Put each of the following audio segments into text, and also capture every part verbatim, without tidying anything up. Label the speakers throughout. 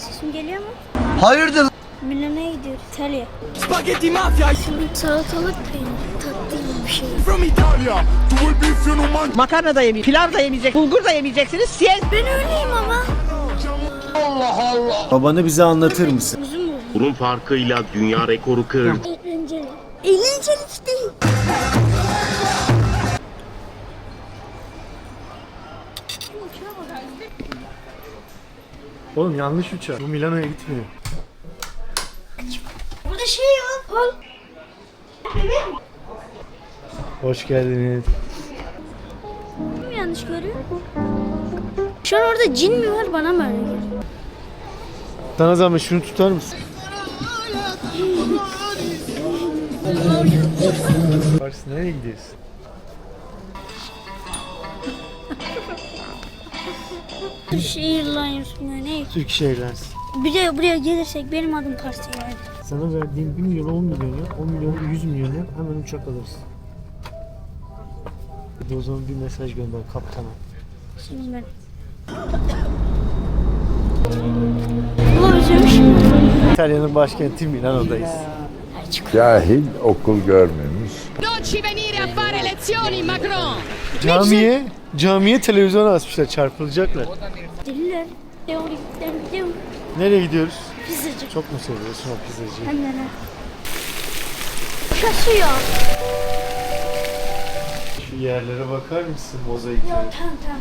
Speaker 1: Sesim geliyor mu?
Speaker 2: Hayırdır?
Speaker 1: Milano'ya gidiyoruz. İtalya.
Speaker 3: Spaghetti mafia
Speaker 1: Şimdi salatalık peynir. Tatlı gibi bir şey.
Speaker 3: from Italia. Tu vuoi beef io non mangio.
Speaker 4: Makarna da yemeyeceksiniz, pilav da yemeyeceksiniz, bulgur da yemeyeceksiniz. Siz
Speaker 1: Ben öyleyim ama.
Speaker 2: Babanı bize anlatır mısın?
Speaker 1: Uzun mu?
Speaker 5: Burun farkıyla dünya rekoru kırdı.
Speaker 1: Eğlenceli. Eğlenceli işte.
Speaker 6: Oğlum yanlış uçak. Bu Milano'ya gitmiyor.
Speaker 1: Burada şey yok. Al.
Speaker 6: Hoş geldiniz.
Speaker 1: Kim yanlış görüyor? Şu an orada cin mi var bana mı öyle geliyor?
Speaker 6: Sana zahmet şunu tutar mısın? Pars nereye gidiyorsun?
Speaker 1: Turkish Airlines mı ne?
Speaker 6: Turkish Airlines.
Speaker 1: Bir de buraya gelirsek benim adım Pars yani.
Speaker 6: Sana verdiğim bir milyon on milyon ya. on milyon yüz milyon ya. Hemen uçak alırsın. Bir de o zaman bir mesaj gönder kaptana.
Speaker 1: Şimdi ben. Bu özlemiş.
Speaker 6: İtalya'nın başkenti Milano'dayız.
Speaker 7: Cahil okul görmemiş.
Speaker 8: Non ci venire a fare lezioni, Macron!
Speaker 6: Camiye, camiye televizyon asmışlar, çarpılacaklar.
Speaker 1: Deliler. Teorik. Teorik.
Speaker 6: Nereye gidiyoruz?
Speaker 1: Pizzacı.
Speaker 6: Çok mu seviyorsun o pizzacıyı?
Speaker 1: Hem de ne? Kasıyor.
Speaker 6: Şu yerlere bakar mısın mozaiklere?
Speaker 1: Tamam tamam.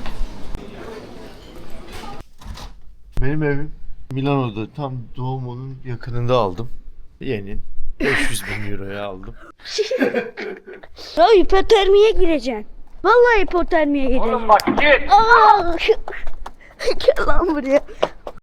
Speaker 6: Benim evim Milano'da, tam doğumunun yakınında aldım. Yeni. beş yüz bin euroya aldım.
Speaker 1: Ya hipotermiye gireceksin. Vallahi hipotermiye gireceksin. Oğlum bak git. Aa! Gel lan buraya.